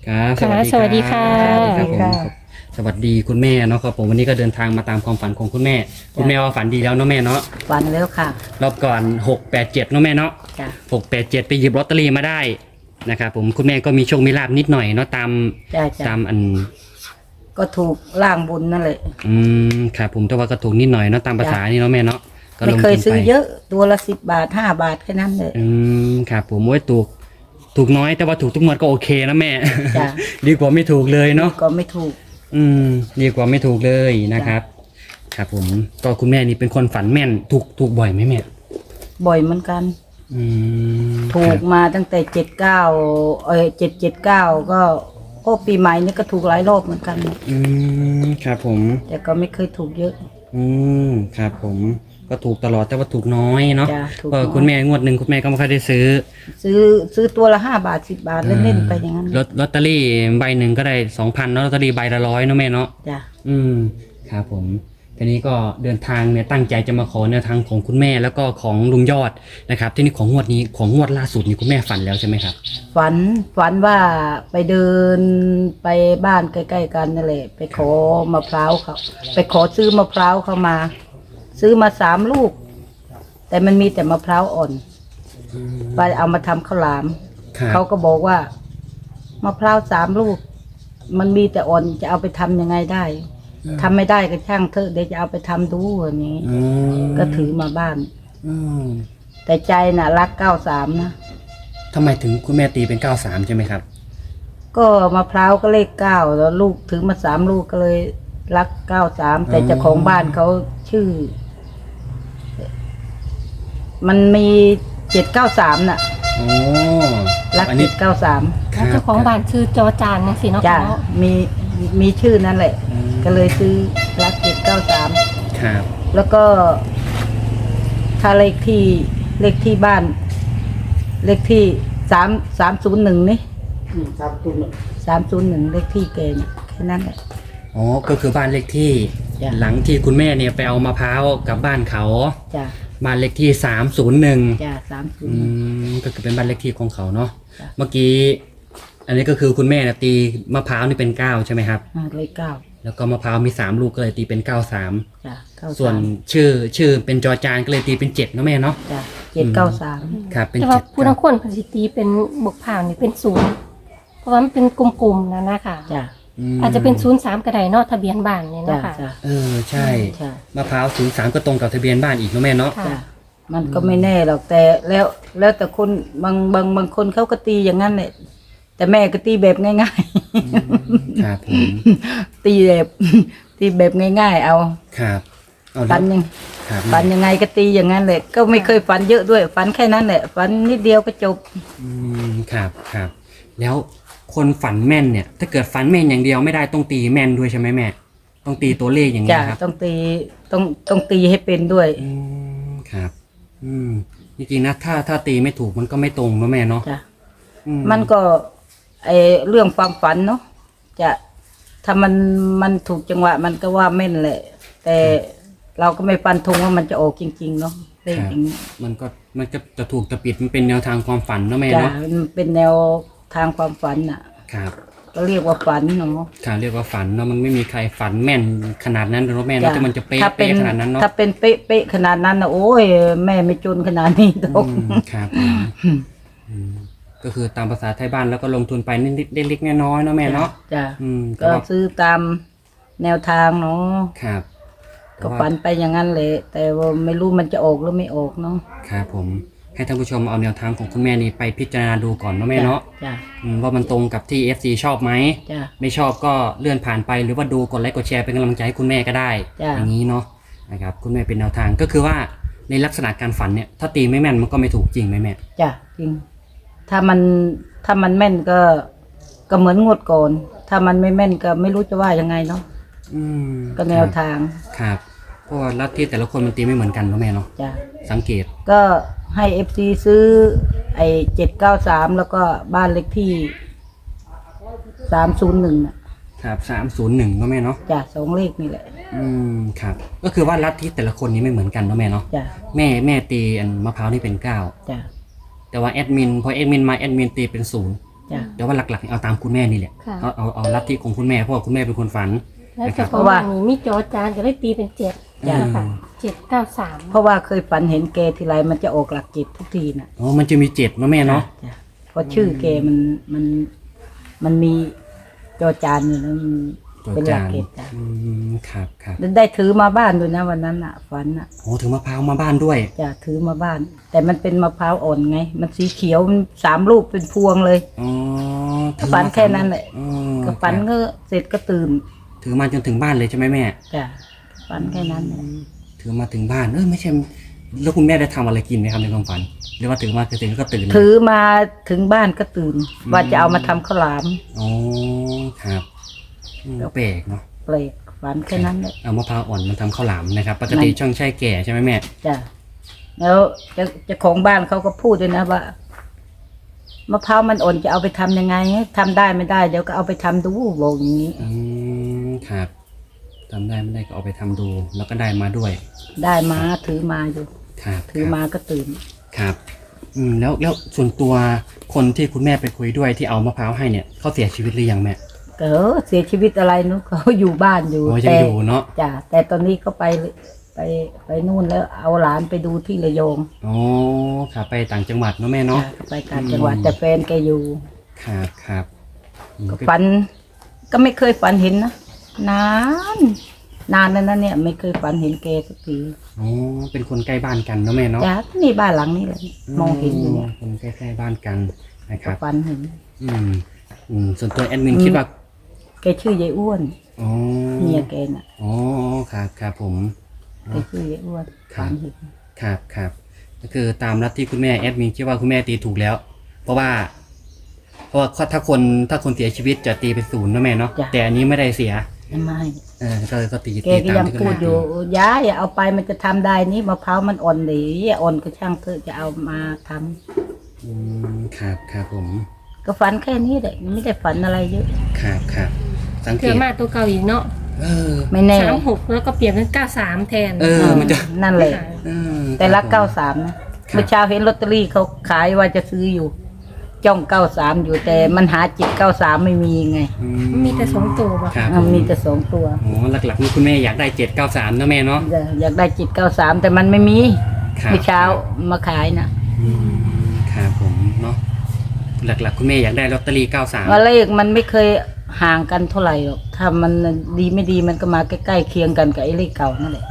ครับค่ะสวัสดีค่ะสวัสดีครับผมค่ะสวัสดีคุณแม่เนาะครับผมวันนี้ก็เดินทางมาตามความฝันของคุณแม่คุณแม่ว่าฝันดีแล้วเนาะแม่เนาะฝันแล้วค่ะรอบก่อน687เนาะแม่เนาะจ้ะ 687ไปหยิบลอตเตอรี่มาได้นะครับผมคุณแม่ก็มีโชคมีลาบนิดหน่อยเนาะตามจ้ะตามอันก็ถูกล่างบุญนั่นแหละครับผมแต่ว่าก็ถูกนิดหน่อยเนาะตามภาษานี่เนาะแม่เนาะก็ไม่ลงเคยทุนซื้อไปเยอะตัวละ10 บาท5 บาทแค่นั้นเลยครับผมว่าถูกน้อยแต่ว่าถูกทุกงวดก็โอเคนะแม่จ้ะดีกว่าไม่ถูกเลยเนาะก็ไม่ถูกดีกว่าไม่ถูกเลยนะครับ ครับผมก็คุณแม่นี่เป็นคนฝันแม่นถูกบ่อยไหมแม่บ่อยเหมือนกัน ถูครักบมาตั้งแต่779ก็ปีใหม่นี่ก็ถูกหลายรอบเหมือนกันครับผมแต่ก็ไม่เคยถูกเยอะครับผมก็ถูกตลอดแต่ว่าถูกน้อยเนาะจ้ะถูกก็น้อยคุณแม่งวดหนึ่งคุณแม่ก็ไม่ค่อยได้ซื้อซื้อตัวละ5 บาท10 บาทเล่นๆไปอย่างนั้นลอตเตอรี่ใบหนึ่งก็ได้2,000แล้วลอตเตอรี่ใบละ100เนาะแม่เนาะจ้ะครับผมทีนี้ก็เดินทางเนี่ยตั้งใจจะมาขอแนวทางของคุณแม่แล้วก็ของลุงยอดนะครับที่นี่ของงวดนี้ของงวดล่าสุดนี่คุณแม่ฝันแล้วใช่ไหมครับฝันว่าไปเดินไปบ้านใกล้ๆกันนั่นแหละไปขอมะพร้าวเขาไปขอซื้อมะพร้าวเขามา ซื้อมา3 ลูก แต่มันมีแต่มะพร้าวอ่อนไปเอามาทำข้าวหลามครับเขาก็บอกว่ามะพร้าว3 ลูก มันมีแต่อ่อนจะเอาไปทำยังไงได้ทำไม่ได้ก็ช่างเถอะเดี๋ยวจะเอาไปทำดูอย่างนี้อืมก็ถือมาบ้านอืมแต่ใจน่ะรัก93นะทำไมถึงคุณแม่ตีเป็น93ใช่ไหมครับก็มะพร้าวก็เลข9แล้วลูกถือมา3 ลูกก็เลยรัก93แต่เจ้าของบ้านเขาชื่อ มันมี793น่ะโอ้รักอันนี้ 793 แล้วเจ้าของบ้านชื่อจอจานนะสิเนาะจ้ะเนาะมีชื่อนั่นแหละ ก็เลยซื้อรัก793 ครับแล้วก็ถ้าเลขที่บ้าน เลขที่301นี่301เลขที่แกเนี่ยแค่นั้นแหละอ๋อก็คือบ้านเลขที่จ้ะหลังที่คุณแม่เนี่ยไปเอามะพร้าวกับบ้านเขาจ้ะบ้านเลขที่301 จ้ะ30 ก็คือเป็นบ้านเลขที่ของเขาเนาะจ้ะเมื่อกี้อันนี้ก็คือคุณแม่เนี่ยตีมะพร้าวนี่เป็น9ใช่ไหมครับเลข9 แล้วก็มะพร้าวมี3ลูกก็เลยตีเป็น93 จ้ะ93 ส่วนชื่อเป็นจอจานก็เลยตีเป็น7เนาะแม่เนาะจ้ะ793 ครับเป็นแต่ว่า 7 ผู้ทั้งคนพสิตีเป็นบวกผ่านนี่เป็นศูนย์เพราะว่ามันเป็นกลมๆนะคะจ้ะอาจจะเป็น03ก็ได้เนาะทะเบียนบ้านเนี่ยจ้ะนะคะจ้ะใช่ใช่มะพร้าว03ก็ตรงกับทะเบียนบ้านอีกเนาะแม่เนาะค่ะจ้ะมันก็ไม่แน่หรอกแต่แล้วแต่คนบางคนเขาก็ตีอย่างนั้นแหละแต่แม่ก็ตีแบบง่ายครับผมๆ ตีแบบง่ายๆ เอาครับเอาฝันยังครับฝันยังไงก็ตีอย่างนั้นแหละก็ไม่เคยฝันเยอะด้วยฝันแค่นั้นแหละฝันนิดเดียวก็จบครับแล้วคนฝันแม่นเนี่ย ถ้าเกิดฝันแม่นอย่างเดียวไม่ได้ต้องตีแม่นด้วยใช่ไหมแม่ต้องตีตัวเลขอย่างนี้จ้ะครับต้องตีให้เป็นด้วยครับจริงๆนะถ้าตีไม่ถูกมันก็ไม่ตรงเนาะแม่เนาะจ้ะอืมมันก็ไอเรื่องความฝันเนาะจะถ้ามันถูกจังหวะ มันก็ว่าแม่นแหละ แต่เราก็ไม่ฟันธงว่ามันจะออกจริง ๆ เนาะเลขอย่างนี้มันก็จะถูกจะปิดมันเป็นแนวทางความฝันเนาะแม่จ้ะเนาะมันเป็นแนวทางความฝันน่ะครับก็เรียกว่าฝันเนาะค่ะเรียกว่าฝันเนาะมันไม่มีใครฝันแม่นขนาดนั้นเนาะแม่เนาะจ้ะแต่มันจะเป๊ะถ้าเป็นขนาดนั้นเนาะถ้าเป็นเป๊ะขนาดนั้นนะโอ้ยแม่ไม่จนขนาดนี้ตกครับผมก็คือตามภาษาไทยบ้านแล้วก็ลงทุนไปนิดๆเล็กๆน้อยๆเนาะแม่เนาะจ้ะแต่ก็ว่าซื้อตามแนวทางเนาะครับแต่ก็ว่าฝันไปอย่างนั้นแหละแต่ว่าไม่รู้มันจะออกหรือไม่ออกเนาะครับผมให้ท่านผู้ชมเอาแนวทางของคุณแม่นี่ไปพิจารณาดูก่อนเนาะแม่เนาะจ้ะว่ามันตรงกับที่ FC ชอบไหมจ้ะไม่ชอบก็เลื่อนผ่านไปหรือว่าดูกดไลค์กดแชร์เป็นกำลังใจให้คุณแม่ก็ได้จ้ะอย่างนี้เนาะนะครับคุณแม่เป็นแนวทางก็คือว่าในลักษณะการฝันเนี่ยถ้าตีไม่แม่นมันก็ไม่ถูกจริงไหมแม่จ้ะจริง ถ้ามันแม่นก็เหมือนงวดก่อน ถ้ามันไม่แม่นก็ไม่รู้จะว่ายังไงเนาะ ก็แนวทางครับเพราะว่าลัทธิแต่ละคนมันตีไม่เหมือนกันเนาะแม่เนาะจ้ะสังเกตก็ให้เอฟซีซื้อไอ้793แล้วก็บ้านเลขที่301น่ะครับ301เนาะแม่เนาะจ้ะ2 เลขนี่แหละครับก็คือว่าลัทธิแต่ละคนนี้ไม่เหมือนกันเนาะแม่เนาะจ้ะแม่ตีอันมะพร้าวนี่เป็น9 จ้ะแต่ว่าแอดมินพอแอดมินมาแอดมินตีเป็น0 จ้ะแต่ว่าหลักๆเอาตามคุณแม่นี่แหละค่ะเอาลัทธิของคุณแม่เพราะว่าคุณแม่เป็นคนฝันแล้วนะครับเฉพาะว่านี่มีจอจานก็เลยตีเป็นเจ็ดจ้ะนะคะ793 เพราะว่าเคยฝันเห็นแกทีไรมันจะออกหลักจิตทุกทีน่ะอ๋อมันจะมี7เนาะแม่เนาะจ้ะเพราะชื่อแกมันมีจอจานอยู่นะมันเป็นหลักเกตจ้ะครับได้ถือมาบ้านด้วยนะวันนั้นอ่ะฝันอ่ะโอ้ถึงมะพร้าวมาบ้านด้วยจะถือมาบ้าน แต่มันเป็นมะพร้าวอ่อนไง มันสีเขียวมัน3 ลูกเป็นพวงเลยอ๋อก็ฝันแค่นั้นแหละอ๋อก็ฝันก็เสร็จก็ตื่นถือมาจนถึงบ้านเลยใช่ไหมแม่จ้ะฝันแค่นั้นแหละถือมาถึงบ้านไม่ใช่แล้วคุณแม่ได้ทำอะไรกินไหมครับในความฝันหรือว่าถือมาถึงก็ตื่นเลยถือมาถึงบ้านก็ตื่น ว่าจะเอามาทำข้าวหลามอ๋อครับแปลกเนาะเปลกฝันแค่นั้นแหละเอามะพร้าวอ่อนมันทำข้าวหลามนะครับปกติช่องแช่แก่ใช่ไหมแม่จ้ะแล้วเจ้าของบ้านเขาก็พูดด้วยนะว่ามะพร้าวมันอ่อนจะเอาไปทำยังไงทำได้ไม่ได้ เดี๋ยวก็เอาไปทำดูบอกอย่างนี้ครับทำได้ไม่ได้ก็เอาไปทำดู แล้วก็ได้มาด้วยได้มาถือมาอยู่ครับถือมาก็ตื่นครับแล้วส่วนตัวคนที่คุณแม่ไปคุยด้วยที่เอามะพร้าวให้เนี่ยเขาเสียชีวิตหรือยังแม่ก็เสียชีวิตอะไรนู้นเขาอยู่บ้านอยู่โอ้ยังอยู่เนาะจ้ะแต่ตอนนี้ก็ไปนู่นแล้วเอาหลานไปดูที่ระยองอ๋อครับไปต่างจังหวัดเนาะแม่เนาะจ้ะก็ไปต่างจังหวัดแต่แฟนแกอยู่ครับก็ฝันก็ไม่เคยฝันเห็นนะนานแล้วนะเนี่ยไม่เคยฝันเห็นแกสักทีอ๋อเป็นคนใกล้บ้านกันเนาะแม่เนาะจ้ะนี่บ้านหลังนี้เลยมองเห็นอยู่เนี่ยคนใกล้ๆบ้านกันนะคก็รับฝันเห็นส่วนตัวแอดมินคิดว่าแกชื่อยายอ้วนอ๋อเมียแกน่ะอ๋อครับผมแกชื่อยายอ้วนครับฝันเห็นครับก็คือตามลัทธิคุณแม่แอดมินคิดว่าคุณแม่ตีถูกแล้ว เพราะว่าถ้าคนเสียชีวิตจะตีเป็น0นะแม่เนาะแต่อันนี้ไม่ได้เสียไม่ก็ตีแกก็ตามยังที่คุณพูดแม่อยู่ย้ายอย่าเอาไปมันจะทำได้นี่มะพร้าวมันอ่อนดีอ่อนก็ช่างเถอะจะเอามาทำครับผมก็ฝันแค่นี้แหละไม่ได้ฝันอะไรเยอะครับสังเกเกือตมาตัวเก่าอีกเนาะไม่แน่ 36แล้วก็เปลี่ยนเป็น93แทนมันจะนั่นแหละค่ะแต่รัก93นะเมื่อเช้าเห็นลอตเตอรี่เขาขายว่าจะซื้ออยู่ จ้อง93อยู่แต่มันหาจิต93ไม่มีไงมีแต่2ตัวบ่ครับมีแต่2 ตัวอ๋อหลักๆนี่คุณแม่อยากได้793นะแม่เนาะอยากได้จิต93แต่มันไม่มีครับเมื่อเช้ามาขายนะครับผมเนาะหลักๆคุณแม่อยากได้ลอตเตอรี่93 ว่าเลขมันไม่เคยห่างกันเท่าไหร่หรอกถ้ามันดีไม่ดีมันก็มาใกล้ๆเคียงกันกับไอ้เลขเก่านั่นแหละ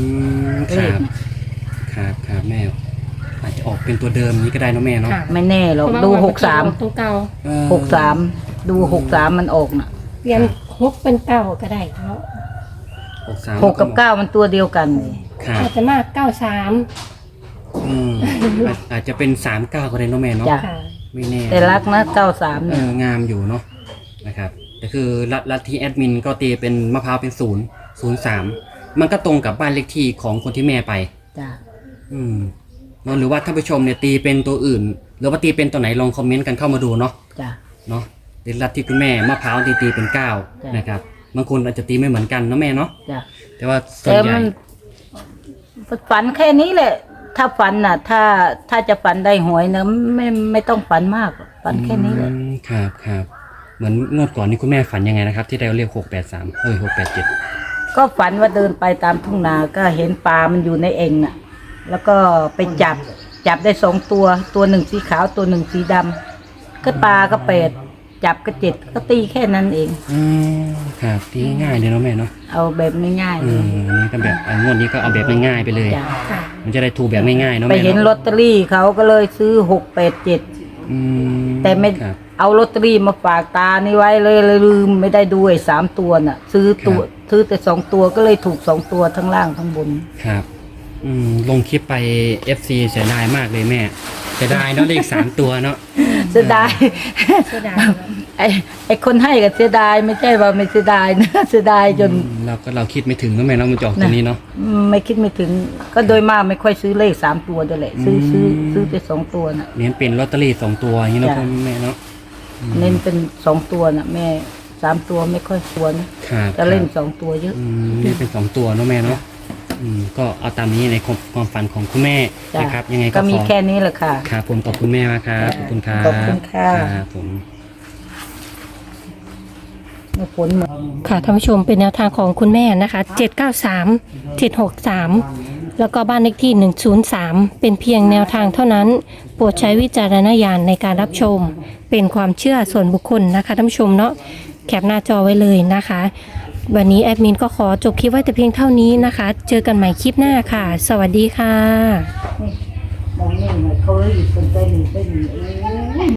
ครับแม่อาจจะออกเป็นตัวเดิมนี้ก็ได้เนาะแม่เนาะค่ะไม่แน่หรอกเพราะว่าดูมันเป็นตัวเก่า 63ดู63มันออกน่ะเปลี่ยน6เป็น9ก็ได้เนาะ 6กับ9มันตัวเดียวกันเลยครับอาจจะมา93 อาจจะเป็น39ก็ได้เนาะแม่เนาะจ้ะค่ะไม่แน่แต่รักนะ93เนี่ยงามอยู่เนาะนะครับแต่คือลัทธิแอดมินก็ตีเป็นมะพร้าวเป็น003มันก็ตรงกับบ้านเลขที่ของคนที่แม่ไปจ้ะเนาะหรือว่าท่านผู้ชมเนี่ยตีเป็นตัวอื่น หรือว่าตีเป็นตัวไหนลองคอมเมนต์กันเข้ามาดูเนาะจ้ะเนาะหรือลัทธิคุณแม่มะพร้าวตีเป็น9นะครับบางคนอาจจะตีไม่เหมือนกันเนาะแม่เนาะจ้ะแต่ว่าส่วนแต่ใหญ่มันฝันแค่นี้แหละ ถ้าฝันน่ะ ถ้าจะฝันได้หวยนะไม่ต้องฝันมากหรอกฝันแค่นี้แหละครับเหมือนงวดก่อนนี้คุณแม่ฝันยังไงนะครับ ที่ได้เลข683 687 ก็ฝันว่าเดินไปตามทุ่งนาก็เห็นปลามันอยู่ในเอ่งน่ะ แล้วก็ไปจับได้2 ตัวหนึ่งสีขาวตัวหนึ่งสีดำก็ปลาก็8จับก็7ก็ตีแค่นั้นเองครับตีง่ายๆเลยเนาะแม่เนาะเอาแบบง่ายๆเลยนี่ก็แบบงวดนี้ก็เอาแบบง่ายๆไปเลยจ้ะค่ะมันจะได้ถูกแบบง่ายๆเนาะไปแม่เห็นลเนาะอตเตอรี่เขาก็เลยซื้อ687แต่ไม่ครับเอาลอตเตอรี่มาฝากตานี่ไว้เลยลืมไม่ได้ดูไอ้3 ตัวน่ะ ซื้อแต่2 ตัวก็เลยถูก2 ตัวทั้งล่างทั้งบนครับลงคลิปไป FC เสียดายมากเลยแม่เสียดายเนาะเลข3 ตัวเนาะเสียดายเสียดายไอ้คนให้ก็เสียดายไม่ใช่ว่าไม่เสียดายนะ เสียดายจนเราคิดไม่ถึงเนาะแม่เนาะมันจะออกตัวนี้เนาะไม่คิดไม่ถึง ก็โดยมากไม่ค่อยซื้อเลข3 ตัวด้วยแหละซื้อแต่2 ตัวน่ะเน้นเป็นลอตเตอรี่2 ตัวอย่างนี้เนาะจ้ะแม่เนาะเน้นเป็น2 ตัวน่ะ แม่3 ตัวไม่ค่อยควรครับจะเล่น2 ตัวเยอะเล่นเป็น2 ตัวเนาะแม่เนาะก็เอาตามนี้ในความฝันของคุณแม่จ้ะนะครับยังไงก็ก็มีขอแค่นี้แหละค่ะครับผมขอบคุณแม่มากครับขอบคุณครับขอบคุณค่ะครับผมไม่ผลเหมือนค่ะท่านผู้ชมเป็นแนวทางของคุณแม่นะคะ793 763แล้วก็บ้านเลขที่103เป็นเพียงแนวทางเท่านั้นโปรดใช้วิจารณญาณในการรับชมเป็นความเชื่อส่วนบุคคลนะคะท่านผู้ชมเนาะแคปหน้าจอไว้เลยนะคะ วันนี้แอดมินก็ขอจบคลิปไว้แต่เพียงเท่านี้นะคะ เจอกันใหม่คลิปหน้าค่ะ สวัสดีค่ะมองนี่เหมือนเขาเลยอยู่คนใจหนึ่งใจหนึ่ง